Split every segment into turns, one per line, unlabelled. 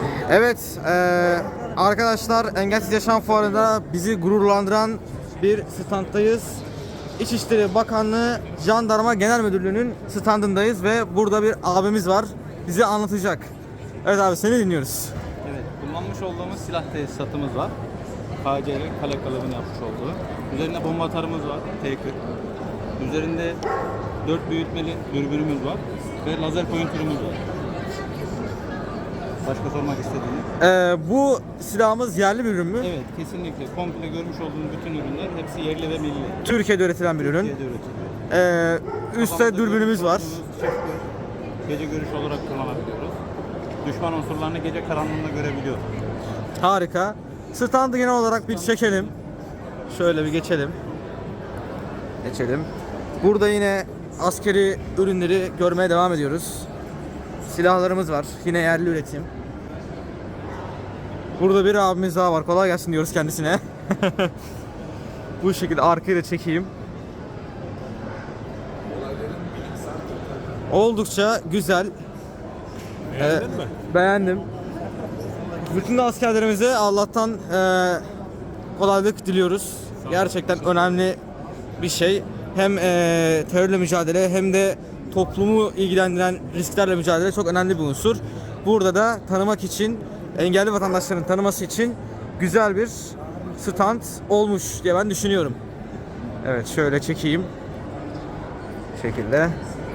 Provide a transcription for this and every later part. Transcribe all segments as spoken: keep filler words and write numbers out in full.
Evet eee, arkadaşlar, Engelsiz Yaşam Fuarı'nda bizi gururlandıran bir standdayız. İçişleri Bakanlığı Jandarma Genel Müdürlüğü'nün standındayız ve burada bir abimiz var. Bize anlatacak. Evet abi, seni dinliyoruz.
Evet, kullanmış olduğumuz silah tesisatımız var. K C R kale kalıbını yapmış olduğu. Üzerinde bomba atarımız var, T kırk. Üzerinde dört büyütmeli dürbünümüz var ve lazer pointörümüz var. Başka sormak istediğiniz?
Eee, bu silahımız yerli bir ürün mü?
Evet, kesinlikle. Komple görmüş olduğunuz bütün ürünler hepsi yerli ve milli.
Türkiye'de üretilen bir ürün.
Türkiye'de üretiliyor.
Eee üstte dürbünümüz var.
Çift gece görüş olarak kullanabiliyoruz. Düşman unsurlarını gece karanlığında görebiliyoruz.
Harika. Standı genel olarak bir çekelim. Şöyle bir geçelim. Geçelim. Burada yine askeri ürünleri görmeye devam ediyoruz. Silahlarımız var. Yine yerli üretim. Burada bir abimiz daha var. Kolay gelsin diyoruz kendisine. Bu şekilde arkayı da çekeyim. Oldukça güzel.
Beğendin
Ee,
mi?
Beğendim. Bütün de askerlerimize Allah'tan e, kolaylık diliyoruz. Gerçekten önemli bir şey. Hem e, terörle mücadele hem de toplumu ilgilendiren risklerle mücadele çok önemli bir unsur. Burada da tanımak için, engelli vatandaşların tanıması için güzel bir stand olmuş diye ben düşünüyorum. Evet, şöyle çekeyim. Bu şekilde.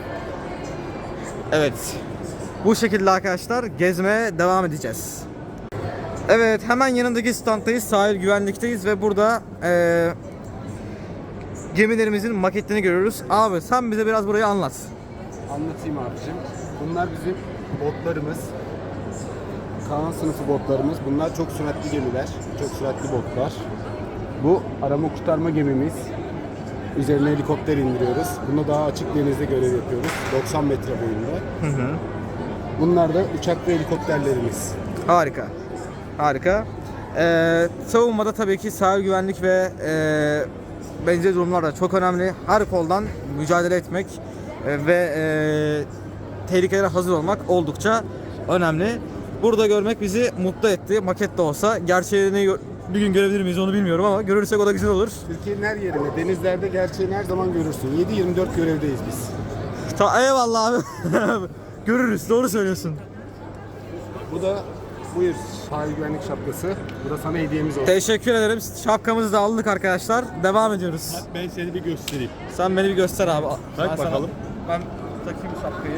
Evet. Bu şekilde arkadaşlar gezmeye devam edeceğiz. Evet, hemen yanındaki standdayız. Sahil güvenlikteyiz ve burada eee gemilerimizin maketlerini görüyoruz. Abi sen bize biraz burayı anlat.
Anlatayım abicim. Bunlar bizim botlarımız. Kaan sınıfı botlarımız. Bunlar çok süratli gemiler. Çok süratli botlar. Bu arama kurtarma gemimiz. Üzerine helikopter indiriyoruz. Bunda daha açık denizde görev yapıyoruz. doksan metre boyunda.
Hı hı.
Bunlar da uçak ve helikopterlerimiz.
Harika. Harika. Eee savunmada tabii ki sahil güvenlik ve eee benzeri durumlar da çok önemli. Her koldan mücadele etmek e, ve e, tehlikelere hazır olmak oldukça önemli. Burada görmek bizi mutlu etti. Maket de olsa. Gerçeğini bir gün görebilir miyiz onu bilmiyorum ama görürsek o da güzel olur.
Türkiye'nin her yerinde, denizlerde gerçeğini her zaman görürsün. yedi yirmi dört görevdeyiz biz.
Ta eyvallah abi. Görürüz. Doğru söylüyorsun.
Bu da buyur sahil güvenlik şapkası. Bu da sana hediyemiz olsun.
Teşekkür ederim. Şapkamızı da aldık arkadaşlar. Devam ediyoruz.
Ben seni bir göstereyim.
Sen beni bir göster abi.
Bak
Ben sana-
bakalım.
Ben takayım şapkayı.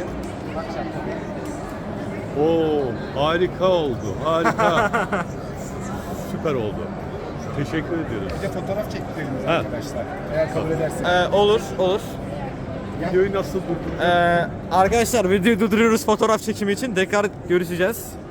Oo, harika oldu. Harika. Süper oldu. Teşekkür ediyoruz.
Bir de fotoğraf çektirelim
Ha.
arkadaşlar. Eğer kabul ederseniz.
Ee, olur, olur.
Videoyu nasıl durdurdun?
Ee, arkadaşlar videoyu durduruyoruz fotoğraf çekimi için. Tekrar görüşeceğiz.